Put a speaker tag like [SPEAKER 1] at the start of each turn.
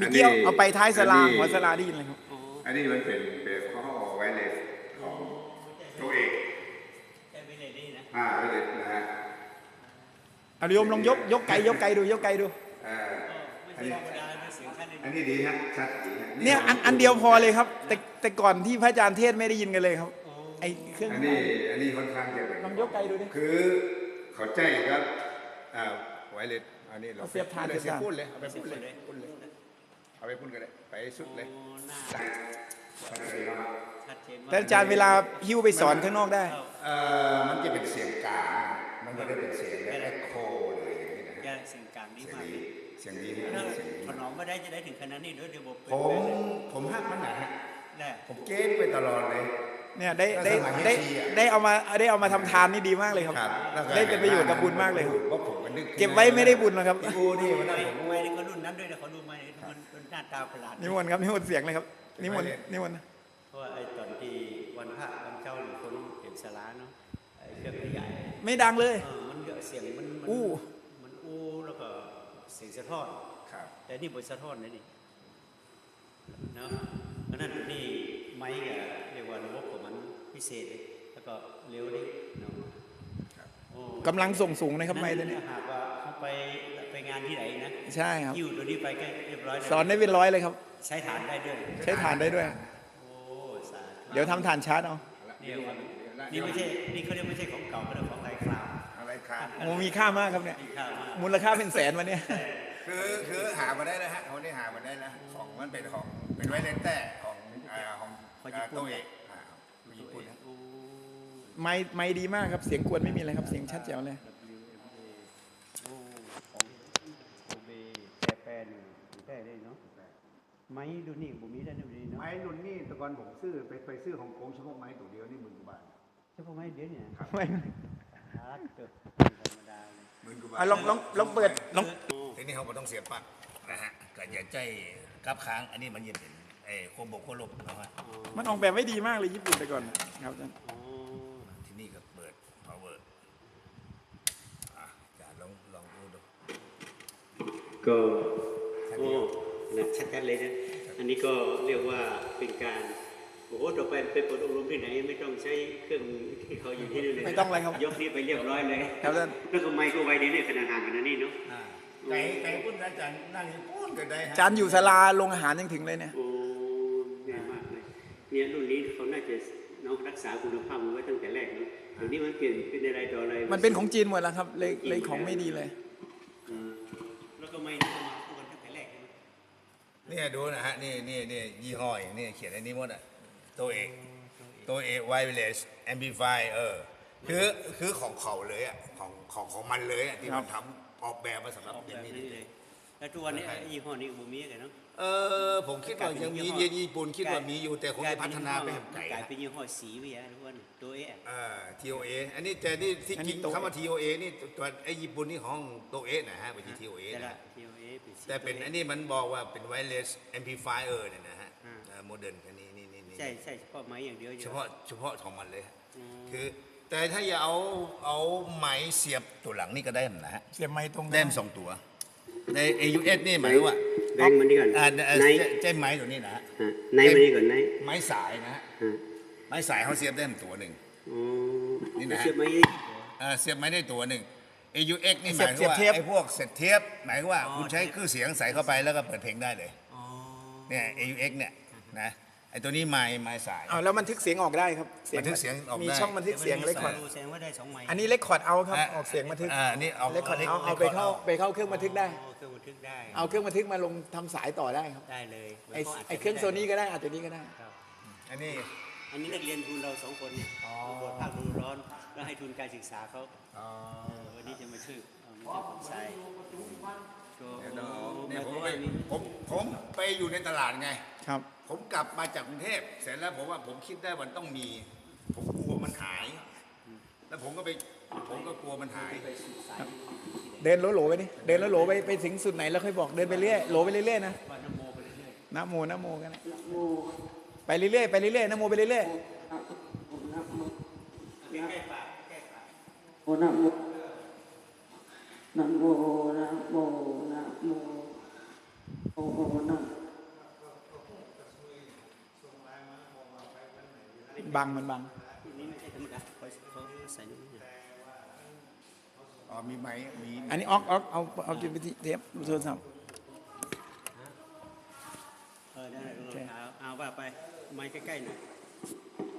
[SPEAKER 1] มีเกี้ยวเอาไปท้ายสลาหัวสลาได้ยินเลยครับ
[SPEAKER 2] อันนี้มันเป็นข้อไวเลสของตัวเอกไวเลสนะฮะ
[SPEAKER 1] เอาโยมลองยกไกดู
[SPEAKER 2] อันนี้ดีฮะชัดดีฮะ
[SPEAKER 1] เนี่ยอันเดียวพอเลยครับแต่ก่อนที่พระอาจารย์เทศไม่ได้ยินกันเลยครับไอเครื่อง
[SPEAKER 2] อันนี้ค่อนข้างจะเป็น
[SPEAKER 1] ลองยกไกดูดิ
[SPEAKER 2] คือเขาใจครับไวเลสอันนี้เรา
[SPEAKER 1] เสียบทาน
[SPEAKER 2] พูดเลยเอาไปพูดเลยเอาไปพูดกันเลยไปสุดเลย
[SPEAKER 1] แต่อาจารย์เวลาหิ้วไปสอนข้างนอกได้
[SPEAKER 2] มันจะเป็นเสียงกลางมันไม่ได้เป็นเสียงแบบเอ็กโคเลยอย่างนี้นะ
[SPEAKER 3] เสียงกลางดีมาก
[SPEAKER 2] เสียงดี
[SPEAKER 3] ถนอมไม่ได้จะได้ถึงขนาดนี้ด้วยเดี๋ยว
[SPEAKER 2] ผมฮักมันหนา
[SPEAKER 3] ได้
[SPEAKER 2] ผมเก้งไปตลอดเลย
[SPEAKER 1] เนี่ยได้เอามาทำทานนี่ดีมากเลยครับได้เป็นประโยชน์กับบุญมากเลยเก็บไว้ไม่ได้บุญนะครับ
[SPEAKER 2] กูนี่มันได้
[SPEAKER 3] ผมไม่ได้เขารุ่นนั้นด้วยนะเขาดูมามันหน้าตาประหลาด
[SPEAKER 1] นิมนต์ครับนิมนต์เสียงเลยครับนิมนต์
[SPEAKER 3] เพราะว่าไอ้ตอนที่วันพระวันเจ้าหรือคนเห็นสาราเนาะไอ้เครื่องใหญ่
[SPEAKER 1] ไม่ดังเลย
[SPEAKER 3] มันเสียงมันแล้วก็เสียงสะท้อนแต่นี่บทสะท้อนนี่เนาะเพราะนั้นนี่ไม้กับเรียกว่าระบบของมันพิเศษแล้วก็เร็วดิเนาะ
[SPEAKER 1] กำลังส่งสูงนะครับไม้ตัวนี้
[SPEAKER 3] หากว่าเขาไปงานที่ไหนนะ
[SPEAKER 1] ใช่ครับ
[SPEAKER 3] อยู่ตัวนี้ไปก็เรียบร้อย
[SPEAKER 1] สอนได้เป็นร้อยเลยครับ
[SPEAKER 3] ใช้ฐานได้ด้วย
[SPEAKER 1] เดี๋ยวทำฐานชาร์จเอา
[SPEAKER 3] นี่ไม่ใช่นี่เขาเรียกไม่ใช่ของเก่าเป็นของไร้คราว
[SPEAKER 1] โอ้มีค่ามากครับเนี่ยมูลค่าเป็นแสนวันนี้
[SPEAKER 2] คือหามาได้แล้วฮะเขาได้หามาได้แล้วของมันเป็นไวเลนแต่ของตัวเอกญี่ปุ่น
[SPEAKER 1] ไม่ดีมากครับเสียงกวนไม่มีอะไรครับเสียงชัดแจ๋วเลย
[SPEAKER 3] ไม้ดูนี่บุมีได้ดูนี่เนาะ
[SPEAKER 2] ไม้รุ่นนี่แต่ก่อนผมซื้อไปซื้อของโกงเฉพาะไม้ตัวเดียวนี่10,000 กว่าบาท
[SPEAKER 3] เฉพาะไม้เดียวเนี่ย
[SPEAKER 1] ไม่
[SPEAKER 3] เกิดธรรมดาเลย
[SPEAKER 2] 10,000 กว่าบาท
[SPEAKER 1] ลองเปิดลอง
[SPEAKER 2] ทีนี้เขาก็ต้องเสียบปลั๊กนะฮะก็อย่าใจกับค้างอันนี้มันยังเป็นโคบกโคลบนะฮะ
[SPEAKER 1] มันออกแบบไม่ดีมากเลยญี่ปุ่นแต่ก่อนครับอาจารย์
[SPEAKER 2] ที่นี่ก็เปิด power จะลองดู
[SPEAKER 3] ก็ชัดกันเลยนะอันนี้ก็เรียกว่าเป็นการโอ้โหต่อไปไปเปิดอบรมที่ไหนไม่ต้องใช้เครื่องที่เขาอยู่ที่นี่เลย
[SPEAKER 1] ไม่ต้องเลยครับ
[SPEAKER 3] ยกนี้ไปเรียบร้อยเลย
[SPEAKER 1] ครับท่าน
[SPEAKER 3] แล้วก็ไมค์ก็ไว้ในขนาดห่างกันนี่เนาะ
[SPEAKER 2] ไก่ปุ้นอาจารย์นั่งปุ้นกันได้
[SPEAKER 1] อาจารย์อยู่ศาลาโรงอาหารยังถึงเลยเนี่ย
[SPEAKER 3] โอ้ง่ายมากเลยเนี่ยรุ่นนี้เขาน่าจะน้องรักษาคุณภาพไว้ตั้งแต่แรกเนาะเดี๋ยวนี้มันเปลี่ยนเป็นอะไรต่ออะไร
[SPEAKER 1] มันเป็นของจีนหมดแล้วครับเลยของไม่ดีเลย
[SPEAKER 3] แล้วก็ไม่มาพูดกันตั้งแต่แรก
[SPEAKER 2] เนี่ยดูนะฮะนี่ยี่ห้ออย่างนี้เขียนในนี้หมดอ่ะตัวเอกไวเลสแอมพลิฟายคือของเขาเลยอ่ะของมันเลยอ่ะที่มันทำออกแบบมาสำหรับอย่างนี้
[SPEAKER 3] เลยแล้วทุกวันนี้ยี่ห้อนี้บุมีกันเนาะ
[SPEAKER 2] ผมคิดว่ายังมีญี่ปุ่นคิดว่ามีอยู่แต่คงจะพัฒนาไปแห่งไกล
[SPEAKER 3] กลายเป็นยี่ห้อสีไปอ่ะทุกวันตัว
[SPEAKER 2] TOA อันนี้แต่นี่ที่จริงคำว่า TOA นี่ตัวไอ้ญี่ปุ่นนี่ของตัวนะฮะไม่ใช่ TOA นะแต่เป็นอันนี้มันบอกว่าเป็น wireless amplifier เนี่ยนะฮะโมเดิร์นอันนี้
[SPEAKER 3] ใช่เฉพาะไม้อย่างเดียว
[SPEAKER 2] เฉพาะของมันเลยคือแต่ถ้าอย่าเอาไม้เสียบตัวหลังนี่ก็ได้นะฮะ
[SPEAKER 1] เสียบไม้ตรง
[SPEAKER 2] แต้ม2 ตัวใน AUS นี่หมายว่า
[SPEAKER 3] แบ่งมันนี่ก่อน
[SPEAKER 2] ใช่ไม้ตัวนี้นะฮะ
[SPEAKER 3] ไมันนี่ก่อน
[SPEAKER 2] ไม้สายนะฮะไม้สายเขาเสียบได้ตัวหนึ่ง
[SPEAKER 3] นี่นะเสียบไ
[SPEAKER 2] ม้ได้ตัวหนึ่ง AUX นี่หมายว่าไอ้พวกเสร็จเทียบหมายว่าคุณใช้เครื่องเสียงใส่เข้าไปแล้วก็เปิดเพลงได้เลยเนี่ย AUX เนี่ยนะไอ้ตัวนี้ไม้สาย
[SPEAKER 1] แล้วบันทึกเสียงออกได้ครับ
[SPEAKER 2] บันทึกเสียงออกได้
[SPEAKER 1] มีช่องบันทึกเสียงเลคคอร์ดอันนี้เลคคอร์ดเอาครับออกเสียงบันทึก
[SPEAKER 2] นี่
[SPEAKER 1] เลคคอร์ดเอาไปเข้าเครื่องบันทึกได้เอาเครื่องบันทึกมาลงทำสายต่อได้ครับ
[SPEAKER 3] ได้เลย
[SPEAKER 1] ไอ้เครื่องโซนี่ก็ได้อาจจะนี้ก็ได้
[SPEAKER 2] อันนี้
[SPEAKER 3] นักเรียนทุนเรา2 คนเนี่ยบทภาคฤดูร้อนแล้วให้ทุนการศึกษาเขาวันนี้จะมาช่วยผมใส่
[SPEAKER 2] ผมไปอยู่ในตลาดไง
[SPEAKER 1] ครับ
[SPEAKER 2] ผมกลับมาจากกรุงเทพเสร็จแล้วผมคิดได้วันต้องมีผมกลัวมันหายแล้วผมก็กลัวมันหาย
[SPEAKER 1] เดินโหลไปนี่เดินโหลไปถึงสุดไหนแล้วค่อยบอกเดินไปเรื่อยโหลไปเรื่อยๆนะนะโมกันไปเรื่อยนะโมไปเรื่อย
[SPEAKER 4] โอนะโมนะโมนะโมนะโมโอ
[SPEAKER 1] บังมันบัง
[SPEAKER 3] นี่ไม่ใช่ธรรมดาเขาใส่นี่
[SPEAKER 2] อ๋อมีไหมมี
[SPEAKER 1] อันนี้ออกเอาจุดไปที่เทปโทรศัพท์
[SPEAKER 3] ได้เอาว่าไปไม้ใกล้ๆหน่อย